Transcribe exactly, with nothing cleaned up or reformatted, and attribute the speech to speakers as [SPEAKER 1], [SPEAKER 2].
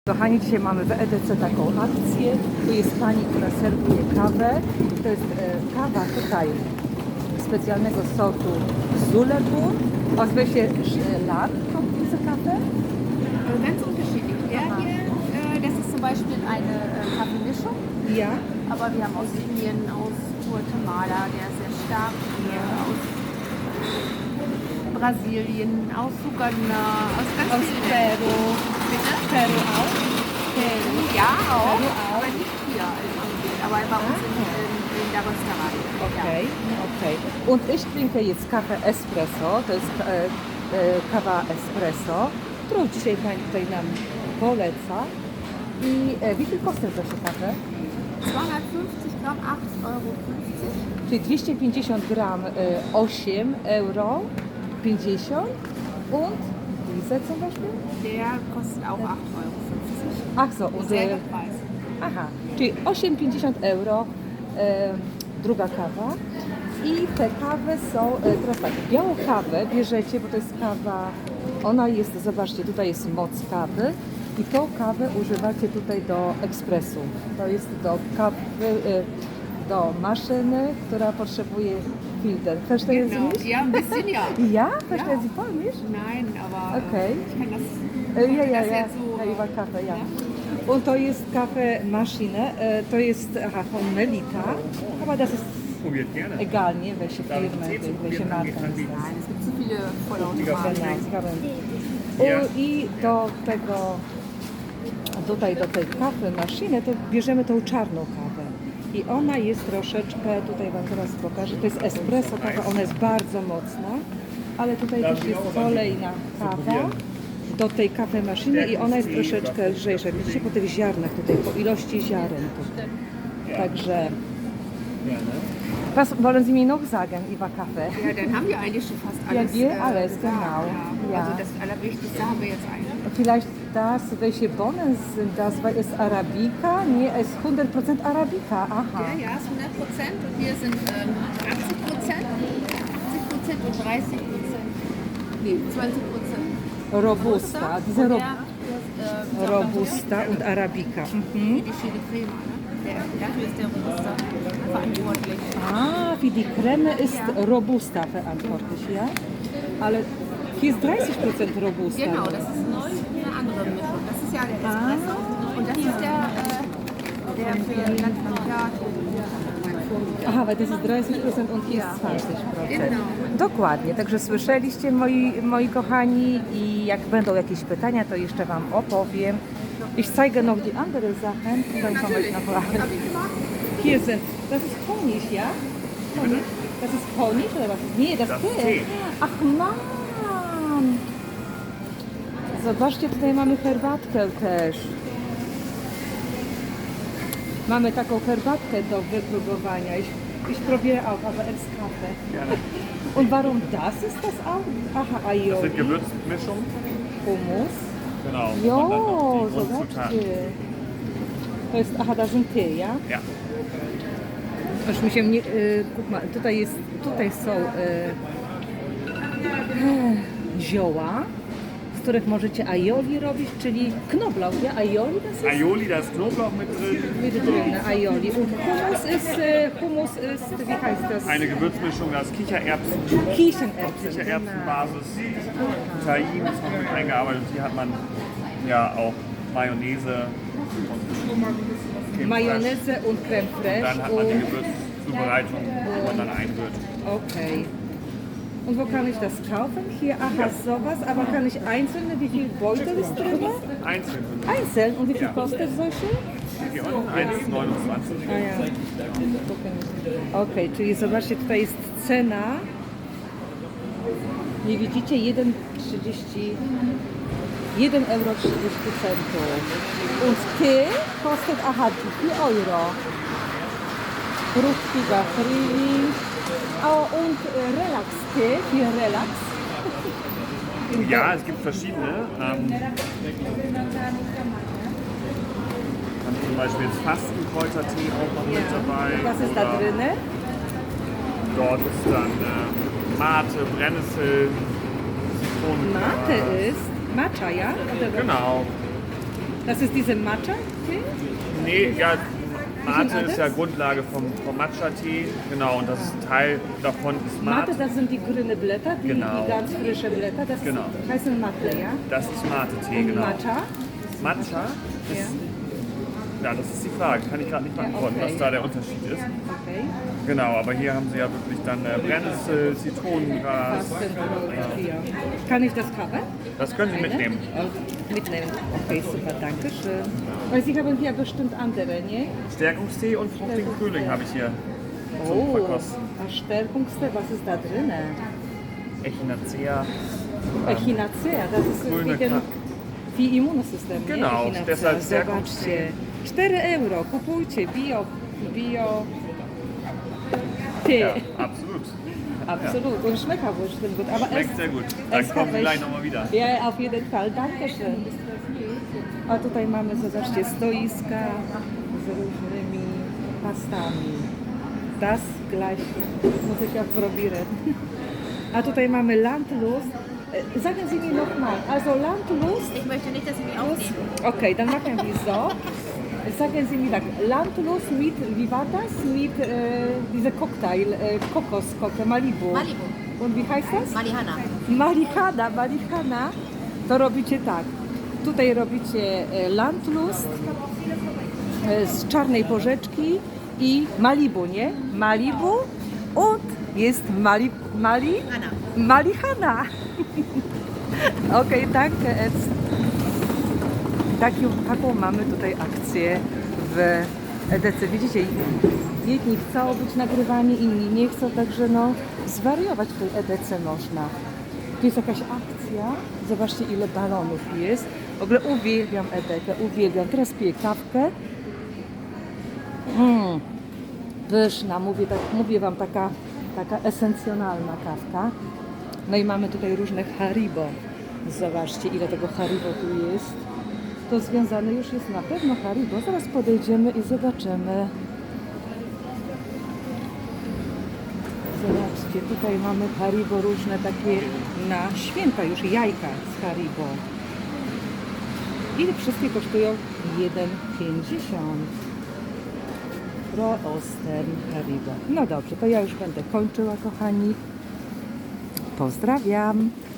[SPEAKER 1] Kochani, dzisiaj mamy w E D C taką akcję. Tu jest pani, która serwuje kawę. To jest e, kawa tutaj specjalnego sortu Zulebu. Aus welcher Laden kommt diese Kaffee?
[SPEAKER 2] Ganz unterschiedlich. Der hier, äh, das ist zum Beispiel eine äh, Kaffeemischung,
[SPEAKER 1] Ja.
[SPEAKER 2] aber wir haben aus Indien, aus Guatemala, der ist sehr stark hier, aus Brasilien, aus Uganda, aus ganz
[SPEAKER 1] Aus
[SPEAKER 2] vielen
[SPEAKER 1] Peru.
[SPEAKER 2] Bitte?
[SPEAKER 1] Peru auch?
[SPEAKER 2] Peru, ja auch,
[SPEAKER 1] Peru auch.
[SPEAKER 2] aber nicht hier in Indien, aber bei uns in, in, in der Rösterei.
[SPEAKER 1] Okej, okej. Und ich trinke jetzt Kaffee Espresso, to jest e, e, kawa espresso, którą dzisiaj pani tutaj nam poleca. I e, wie viel kostet solche Kaffee?
[SPEAKER 2] Ja. zweihundertfünfzig Gramm, acht Euro fünfzig.
[SPEAKER 1] Czyli dwieście pięćdziesiąt gram, e, osiem euro pięćdziesiąt und diese zum Beispiel?
[SPEAKER 2] Der kostet auch acht Euro fünfzig.
[SPEAKER 1] Ach so, und
[SPEAKER 2] Selber
[SPEAKER 1] e,
[SPEAKER 2] Preis.
[SPEAKER 1] aha, czyli osiem pięćdziesiąt euro, e, druga kawa. I te kawy są, e, teraz tak, białą kawę bierzecie, bo to jest kawa, ona jest, zobaczcie, tutaj jest moc kawy i tą kawę używacie tutaj do ekspresu. To jest do kawy, e, do maszyny, która potrzebuje filtr. Verstehen Sie
[SPEAKER 2] Genau.
[SPEAKER 1] mich?
[SPEAKER 2] Ja, ein bisschen ja.
[SPEAKER 1] Ja? Verstehen Sie Polnisch?
[SPEAKER 2] Nein, aber
[SPEAKER 1] Okay.
[SPEAKER 2] ich kann das,
[SPEAKER 1] E, Ja, ja,
[SPEAKER 2] das
[SPEAKER 1] ja,
[SPEAKER 2] jetzt so.
[SPEAKER 1] ja, über Kaffee, ja.
[SPEAKER 2] Ja?
[SPEAKER 1] Und to jest Kaffee Maschine, e, to jest aha, von Melita, aber das ist
[SPEAKER 3] Probiert gerne.
[SPEAKER 1] egal, nie? Welche
[SPEAKER 3] Darf ich
[SPEAKER 1] Firma,
[SPEAKER 3] Tee zu
[SPEAKER 1] welche
[SPEAKER 3] probieren
[SPEAKER 1] Marke ist
[SPEAKER 3] anbieten?
[SPEAKER 1] das.
[SPEAKER 2] Nein, es gibt zu viele
[SPEAKER 1] Genau,
[SPEAKER 2] Vollautomaten.
[SPEAKER 1] zgadłem.
[SPEAKER 3] Ja.
[SPEAKER 1] U, I do tego, tutaj do tej kawy maszyny, to bierzemy tą czarną kawę. I ona jest troszeczkę, tutaj Wam teraz pokażę, to jest espresso kawa, ona jest bardzo mocna, ale tutaj też jest kolejna kawa do tej kawy maszyny i ona jest troszeczkę lżejsza. Widzicie po tych ziarnach tutaj, po ilości ziaren tutaj. Także,
[SPEAKER 3] Gerne.
[SPEAKER 1] was wollen Sie mir noch sagen über Kaffee?
[SPEAKER 2] Ja, dann haben wir eigentlich schon fast
[SPEAKER 1] Ja,
[SPEAKER 2] alles.
[SPEAKER 1] wir
[SPEAKER 2] äh,
[SPEAKER 1] alles,
[SPEAKER 2] gesagt,
[SPEAKER 1] genau.
[SPEAKER 2] Ja.
[SPEAKER 1] Ja.
[SPEAKER 2] Also das Allerwichtigste haben wir jetzt eigentlich.
[SPEAKER 1] Vielleicht das, welche Bohnen sind das, weil es Arabica? Nee, es ist hundert Prozent Arabica, aha.
[SPEAKER 2] Der ja ist hundert Prozent und wir sind ähm, achtzig Prozent, siebzig Prozent und dreißig Prozent. Nee, zwanzig Prozent.
[SPEAKER 1] Robusta, diese Ro
[SPEAKER 2] äh,
[SPEAKER 1] Robusta und Arabica. Mhm.
[SPEAKER 2] Für die Chili Crema, ne? Der, dafür ist der Robusta verantwortlich.
[SPEAKER 1] Ah, für die Creme ist Robusta verantwortlich, ja? Ale hier ist dreißig Prozent Robusta.
[SPEAKER 2] Genau, das ist neu eine andere Mischung. Das ist ja der Espresso und das ist der, äh, der für Landwirtschaft.
[SPEAKER 1] Aha, weil das ist dreißig Prozent und hier jest zwanzig Prozent.
[SPEAKER 2] Genau.
[SPEAKER 1] Dokładnie, także słyszeliście moi, moi kochani i jak będą jakieś pytania, to jeszcze Wam opowiem. Ich zeige noch die andere Sachen und dann komme ich noch rein. Hier sind, das ist Honig, ja? Honig? Das ist Honig oder was? Nee, das,
[SPEAKER 3] Das
[SPEAKER 1] Tee.
[SPEAKER 3] ist Tee.
[SPEAKER 1] Ach man! Zobaczcie, tutaj mamy herbatkę też. Mamy taką herbatkę do wypróbowania. Ich, ich probiere auch, aber es Kaffee.
[SPEAKER 3] Gerne.
[SPEAKER 1] Und warum das ist das auch? Aha,
[SPEAKER 3] Das sind
[SPEAKER 1] Aioli,
[SPEAKER 3] Gewürzmischungen.
[SPEAKER 1] Hummus.
[SPEAKER 3] Genau.
[SPEAKER 1] Jo,
[SPEAKER 3] Und dann noch die
[SPEAKER 1] zobaczcie.
[SPEAKER 3] Grundzutaten.
[SPEAKER 1] To jest, aha, das sind Tee, ja?
[SPEAKER 3] Ja.
[SPEAKER 1] Aż mi się nie, y, guck mal, tutaj jest, tutaj są y, zioła, z których możecie aioli robić, czyli knoblauch, ja? Aioli das ist?
[SPEAKER 3] Aioli, da ist Knoblauch mit drin.
[SPEAKER 1] Mit drin, aioli. Und Hummus ist, äh, Hummus ist, wie heißt das?
[SPEAKER 3] Eine Gewürzmischung, da ist Kichererbsen,
[SPEAKER 1] Kichererbsen.
[SPEAKER 3] Kichererbsenbasis, Tahin ist noch mit eingearbeitet. Hier hat man ja auch Mayonnaise und Creme
[SPEAKER 1] Mayonnaise und Creme
[SPEAKER 3] fraiche.
[SPEAKER 1] fraiche.
[SPEAKER 3] Dann hat man die
[SPEAKER 1] und,
[SPEAKER 3] Gewürzzubereitung, wo man dann einrührt.
[SPEAKER 1] okay. Und wo kann ich das kaufen? Hier, aha, sowas. Aber kann ich einzelne, wie viel Beutel ist drin?
[SPEAKER 3] Einzeln.
[SPEAKER 1] Einzeln. Und wie viel
[SPEAKER 3] Ja.
[SPEAKER 1] kostet solche?
[SPEAKER 3] Hier unten eins neunundzwanzig.
[SPEAKER 1] A ja. Okej, czyli zobaczcie, tutaj jest cena. Nie widzicie? jeden trzydzieści jeden euro trzydzieści centów. Und Tee kostet, aha, vier Euro. Fruchtiger Frühling. Oh, und äh, Relax-Tee, für Relax.
[SPEAKER 3] Ja, es gibt verschiedene. Ähm, dann zum Beispiel jetzt Fastenkräutertee auch noch mit dabei.
[SPEAKER 1] Was ist da
[SPEAKER 3] Oder
[SPEAKER 1] drin?
[SPEAKER 3] Dort ist dann äh, Mate, Brennnessel, Zitronengras.
[SPEAKER 1] Mate ist Matcha, ja? Oder was?
[SPEAKER 3] Genau.
[SPEAKER 1] Das ist diese Matcha-Tee?
[SPEAKER 3] Nee, ja, Mate ist
[SPEAKER 1] anders?
[SPEAKER 3] ja Grundlage vom, vom Matcha-Tee. Genau, und das ist Teil davon ist
[SPEAKER 1] Mate,
[SPEAKER 3] Mate.
[SPEAKER 1] das sind die grünen Blätter, die,
[SPEAKER 3] Genau.
[SPEAKER 1] die ganz frische Blätter. Das
[SPEAKER 3] Genau.
[SPEAKER 1] heißen Mate, ja?
[SPEAKER 3] Das ist Mate-Tee,
[SPEAKER 1] Und
[SPEAKER 3] genau.
[SPEAKER 1] Matcha?
[SPEAKER 3] Matcha ist,
[SPEAKER 1] Ja.
[SPEAKER 3] ja, das ist die Frage. Kann ich gerade nicht
[SPEAKER 1] Ja,
[SPEAKER 3] beantworten,
[SPEAKER 1] okay.
[SPEAKER 3] was da der Unterschied ist.
[SPEAKER 1] Okay.
[SPEAKER 3] Genau, aber hier haben sie ja wirklich dann äh, Brennnessel, Zitronengras.
[SPEAKER 1] Fastenbrot hier. Kann ich das haben?
[SPEAKER 3] Das können Sie mitnehmen.
[SPEAKER 1] Oh, mitnehmen. Okay, super, danke schön. Weil Sie haben hier bestimmt andere, ne?
[SPEAKER 3] Stärkungstee und fruchtigen Frühling habe ich hier zum
[SPEAKER 1] Oh,
[SPEAKER 3] Verkosten.
[SPEAKER 1] Stärkungstee, was ist da drin?
[SPEAKER 3] Echinacea.
[SPEAKER 1] Echinacea, das ist
[SPEAKER 3] grüne
[SPEAKER 1] wie, den,
[SPEAKER 3] Ka-
[SPEAKER 1] wie Immunosystem, nie?
[SPEAKER 3] Genau,
[SPEAKER 1] Echinacea.
[SPEAKER 3] deshalb
[SPEAKER 1] Zobaczcie, cztery euro, kupujcie, bio, bio, Tee.
[SPEAKER 3] Ja, absolut.
[SPEAKER 1] Absolut, und schmeckt auch bestimmt gut. Aber
[SPEAKER 3] Schmeckt
[SPEAKER 1] es-
[SPEAKER 3] sehr gut. Dann
[SPEAKER 1] es
[SPEAKER 3] kommen
[SPEAKER 1] hat
[SPEAKER 3] Sie gleich
[SPEAKER 1] echt-
[SPEAKER 3] nochmal wieder.
[SPEAKER 1] Ja, auf jeden Fall, danke schön. A tutaj mamy, zobaczcie, stoiska z różnymi pastami. Das gleich muss ich auch probieren. A tutaj mamy Landlust. E, Sagen Sie mir nochmal, also Landlust,
[SPEAKER 2] Ich möchte nicht, dass Sie mich aufnehmen.
[SPEAKER 1] okay, dann machen wir so. Sagen Sie mir tak, Landlust mit, wie war das? Mit äh, diesem Cocktail, äh, Kokoscocktail, Malibu.
[SPEAKER 2] Malibu.
[SPEAKER 1] Und wie heißt das?
[SPEAKER 2] Malihana.
[SPEAKER 1] Marihana, marihana, to robicie tak. Tutaj robicie e, Landlust e, z czarnej porzeczki i Malibu, nie? Malibu und jest Mali, Mali,
[SPEAKER 2] Hanna.
[SPEAKER 1] Malihana. Okej, danke. Eds. Taki, taką mamy tutaj akcję w E D C. Widzicie, jedni chcą być nagrywani, inni nie chcą, także no zwariować w tej E D C można. Tu jest jakaś akcja, zobaczcie ile balonów jest. W ogóle uwielbiam E D C, uwielbiam. Teraz piję kawkę. Mm, pyszna, mówię, tak, mówię Wam, taka, taka esencjonalna kawka. No i mamy tutaj różne Haribo. Zobaczcie ile tego Haribo tu jest. To związane już jest na pewno Haribo. Zaraz podejdziemy i zobaczymy. Zobaczcie, tutaj mamy Haribo różne takie na święta już jajka z Haribo. I wszystkie kosztują jeden pięćdziesiąt. Pro Osten Haribo. No dobrze, to ja już będę kończyła, kochani. Pozdrawiam.